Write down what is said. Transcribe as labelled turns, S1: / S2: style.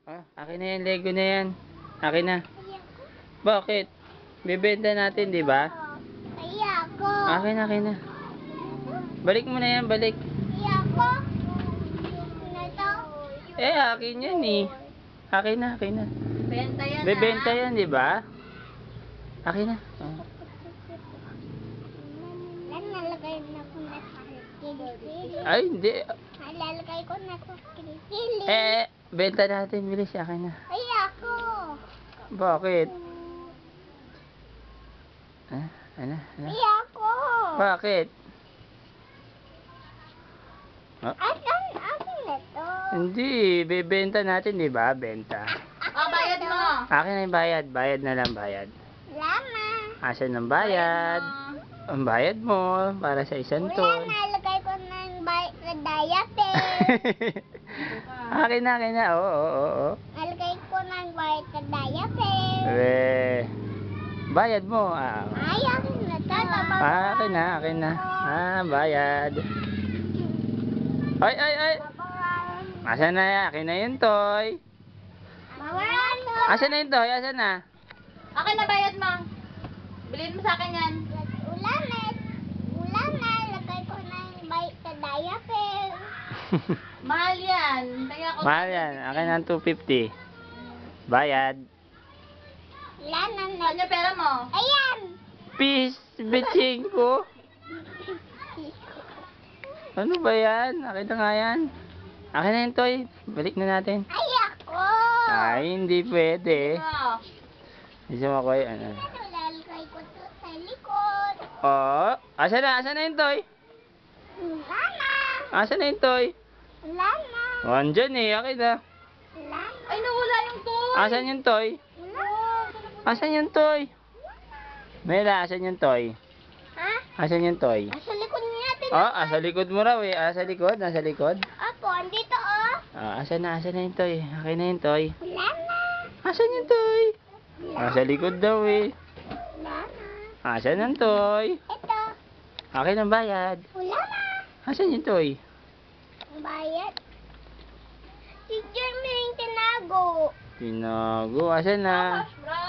S1: Ah, akin na yan, Lego na yan. Akin na. Bakit? Bebenta natin, di ba?
S2: Kaya ako.
S1: Akin na. Balik mo na yan, balik.
S2: Kaya ako. Na to.
S1: Akin yan eh. Akin na.
S2: Benta yan.
S1: Bebenta yan, di ba? Akin na. Oh.
S2: Nalagay na ko na sa kilikili.
S1: Ay, hindi.
S2: Nalalagay ko na sa kilikili.
S1: Benta natin, bilis. Akin na.
S2: Kaya ako.
S1: Bakit? Ano?
S2: Kaya ako.
S1: Bakit?
S2: Asan na to?
S1: Hindi, bebenta natin, di ba? Benta.
S2: Bayad mo.
S1: Akin na yung bayad. Bayad na lang, bayad.
S2: Lama.
S1: Asan ang bayad? Ang bayad mo para sa isang
S2: Wala,
S1: ton.
S2: nalagay ko na yung bayad sa diaper.
S1: Akin na. Oo.
S2: Nalagay ko na yung bayad sa diaper.
S1: Bayad mo.
S2: Ay, akin na to.
S1: Akin na. Bayad. Ay. Asan na yan? Akin na yung toy.
S2: Mawaran mo.
S1: Asan na yung toy? Asan na?
S3: Akin na bayad mo. Bilhin mo sa akin yan.
S2: Ulan na. Lagay ko na yung bayad sa diaper.
S3: Mahal yan. Kaya ako
S1: Mahal yan. Akin na 250. Bayad.
S2: Ulan na.
S3: Saan yung pera mo?
S2: Ayan.
S1: Peace, bitching ko. Ano ba yan? Akin na nga yan. Akin na yung toy. Balik na natin.
S2: Ay, ako.
S1: Ay, hindi pwede.
S3: Oh.
S1: Gusto mo ko ano?
S2: Lalagay ko to sa likod.
S1: Oh, asan na yung toy?
S2: Ulan na.
S1: Asan na yung toy?
S2: Ulan na.
S1: Oh, andyan eh. Akin na.
S2: Ulan na.
S3: Ay, nawala yung toy.
S1: Asan yung toy? Asan yung toy? Mela, asan yung toy?
S2: Ha?
S1: Asan yung toy?
S2: Nasa likod natin.
S1: Oh, asa likod mo raw eh. Asa likod? Nasa likod?
S2: Apo, andito oh.
S1: Asan na yung toy? Akin na yung toy.
S2: Ulan na.
S1: Asan yung toy? Nasa likod daw eh.
S2: Ulan na.
S1: Asan ang toy?
S2: Ito.
S1: Akin ang bayad.
S2: Ulan na.
S1: Asan yung toy?
S2: Ang bayad. Si Jermaine tinago.
S1: Tinago. Asan na?
S3: Cash, bro.